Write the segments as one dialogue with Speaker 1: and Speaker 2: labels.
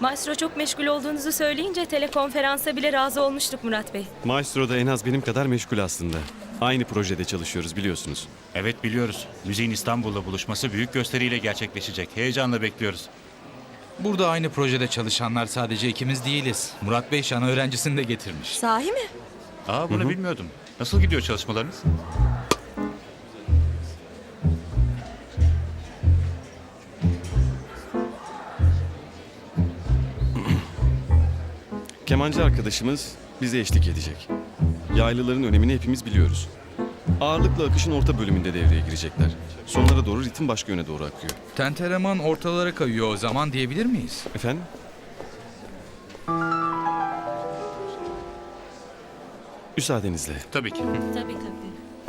Speaker 1: Maestro çok meşgul olduğunuzu söyleyince telekonferansa bile razı olmuştuk Murat Bey.
Speaker 2: Maestro da en az benim kadar meşgul aslında. Aynı projede çalışıyoruz biliyorsunuz.
Speaker 3: Evet biliyoruz. Müziğin İstanbul'da buluşması büyük gösteriyle gerçekleşecek. Heyecanla bekliyoruz.
Speaker 4: Burada aynı projede çalışanlar sadece ikimiz değiliz. Murat Bey şan öğrencisini de getirmiş.
Speaker 5: Sahi mi?
Speaker 3: Aa bunu bilmiyordum. Nasıl gidiyor çalışmalarınız?
Speaker 2: Kemancı arkadaşımız bize eşlik edecek. Yaylıların önemini hepimiz biliyoruz. Ağırlıkla akışın orta bölümünde devreye girecekler. Sonlara doğru ritim başka yöne doğru akıyor.
Speaker 4: Tentereman ortalara kayıyor o zaman diyebilir miyiz?
Speaker 2: Efendim? Müsaadenizle.
Speaker 3: Tabii ki.
Speaker 1: Tabii tabii.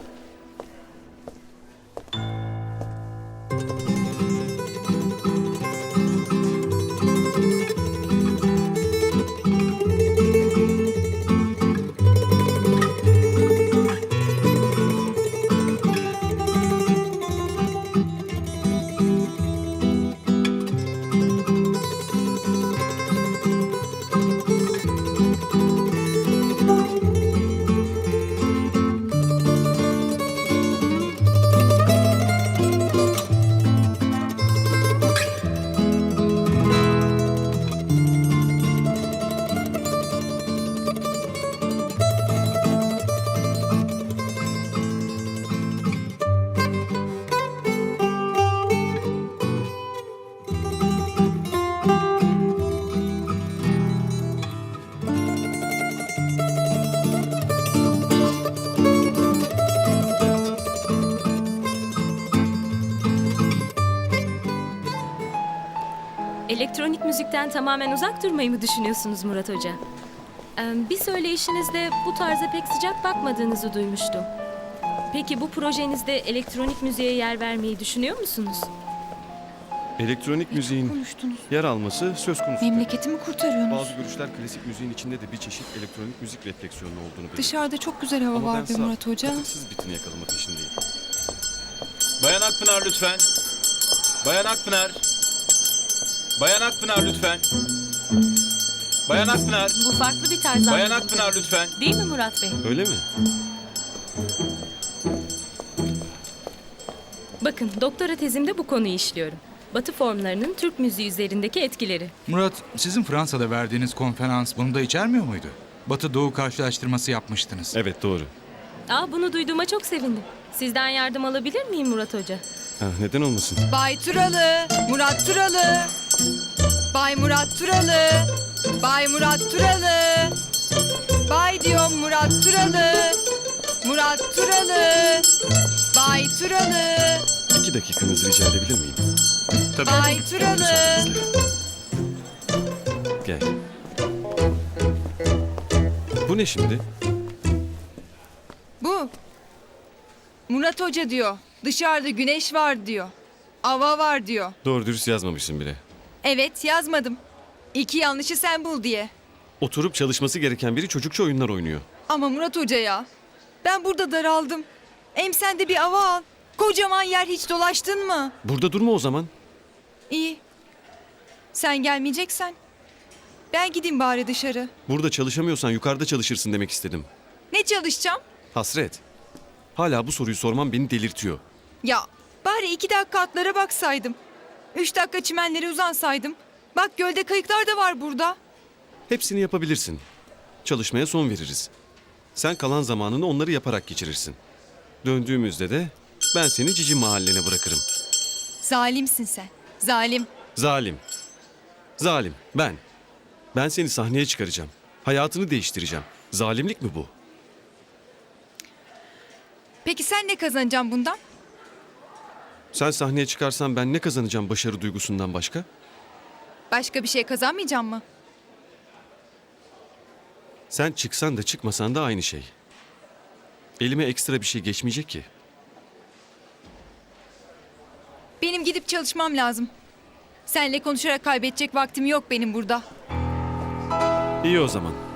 Speaker 1: Elektronik müzikten tamamen uzak durmayı mı düşünüyorsunuz Murat Hoca? Bir söyleyişinizde bu tarza pek sıcak bakmadığınızı duymuştum. Peki bu projenizde elektronik müziğe yer vermeyi düşünüyor musunuz?
Speaker 2: Elektronik müziğin
Speaker 5: Konuştunuz.
Speaker 2: yer alması söz konusu.
Speaker 5: Memleketimi kurtarıyorsunuz.
Speaker 2: Bazı görüşler klasik müziğin içinde de bir çeşit elektronik müzik refleksiyonu olduğunu belirtiyor.
Speaker 5: Dışarıda çok güzel hava
Speaker 2: Ama
Speaker 5: var
Speaker 2: ben
Speaker 5: be
Speaker 2: saf,
Speaker 5: Murat Hoca.
Speaker 2: katıksız bitini yakalama peşindeyim.
Speaker 6: Bayan Akpınar lütfen. Bayan Akpınar. Bayan Akpınar lütfen. Bayan Akpınar.
Speaker 1: Bu farklı bir tarz
Speaker 6: Bayan
Speaker 1: anladım.
Speaker 6: Akpınar lütfen.
Speaker 1: Değil mi Murat Bey?
Speaker 2: Öyle mi?
Speaker 1: Bakın doktora tezimde bu konuyu işliyorum. Batı formlarının Türk müziği üzerindeki etkileri.
Speaker 4: Murat, sizin Fransa'da verdiğiniz konferans bunu da içermiyor muydu? Batı-Doğu karşılaştırması yapmıştınız.
Speaker 2: Evet doğru.
Speaker 1: Bunu duyduğuma çok sevindim. Sizden yardım alabilir miyim Murat Hoca?
Speaker 2: Neden olmasın?
Speaker 7: Bay Turalı, Murat Turalı. Bay Murat Turalı. Bay Murat Turalı. Bay diyorum Murat Turalı. Murat Turalı. Bay Turalı.
Speaker 2: 2 dakikanızı rica edebilir miyim?
Speaker 3: Tabii.
Speaker 7: Bay Turalı.
Speaker 2: Müsaadenizle. Gel. Bu ne şimdi?
Speaker 7: Bu. Murat Hoca diyor. Dışarıda güneş var diyor. Hava var diyor.
Speaker 2: Doğru dürüst yazmamışsın bile.
Speaker 7: Evet yazmadım. İki yanlışı sen bul diye.
Speaker 2: Oturup çalışması gereken biri çocukça oyunlar oynuyor.
Speaker 7: Ama Murat Hoca ya. Ben burada daraldım. Hem sen de bir hava al. Kocaman yer hiç dolaştın mı?
Speaker 2: Burada durma o zaman.
Speaker 7: İyi. Sen gelmeyeceksen. Ben gideyim bari dışarı.
Speaker 2: Burada çalışamıyorsan yukarıda çalışırsın demek istedim.
Speaker 7: Ne çalışacağım?
Speaker 2: Hasret. Hala bu soruyu sorman beni delirtiyor.
Speaker 7: Ya bari 2 dakika atlara baksaydım. 3 dakika çimenlere uzansaydım. Bak gölde kayıklar da var burada.
Speaker 2: Hepsini yapabilirsin. Çalışmaya son veririz. Sen kalan zamanını onları yaparak geçirirsin. Döndüğümüzde de ben seni Cici mahallene bırakırım.
Speaker 7: Zalimsin sen. Zalim.
Speaker 2: Zalim. Zalim. Ben. Ben seni sahneye çıkaracağım. Hayatını değiştireceğim. Zalimlik mi bu?
Speaker 7: Peki sen ne kazanacaksın bundan?
Speaker 2: Sen sahneye çıkarsan ben ne kazanacağım başarı duygusundan başka?
Speaker 7: Başka bir şey kazanmayacağım mı?
Speaker 2: Sen çıksan da çıkmasan da aynı şey. Elime ekstra bir şey geçmeyecek ki.
Speaker 7: Benim gidip çalışmam lazım. Seninle konuşarak kaybedecek vaktim yok benim burada.
Speaker 2: İyi o zaman.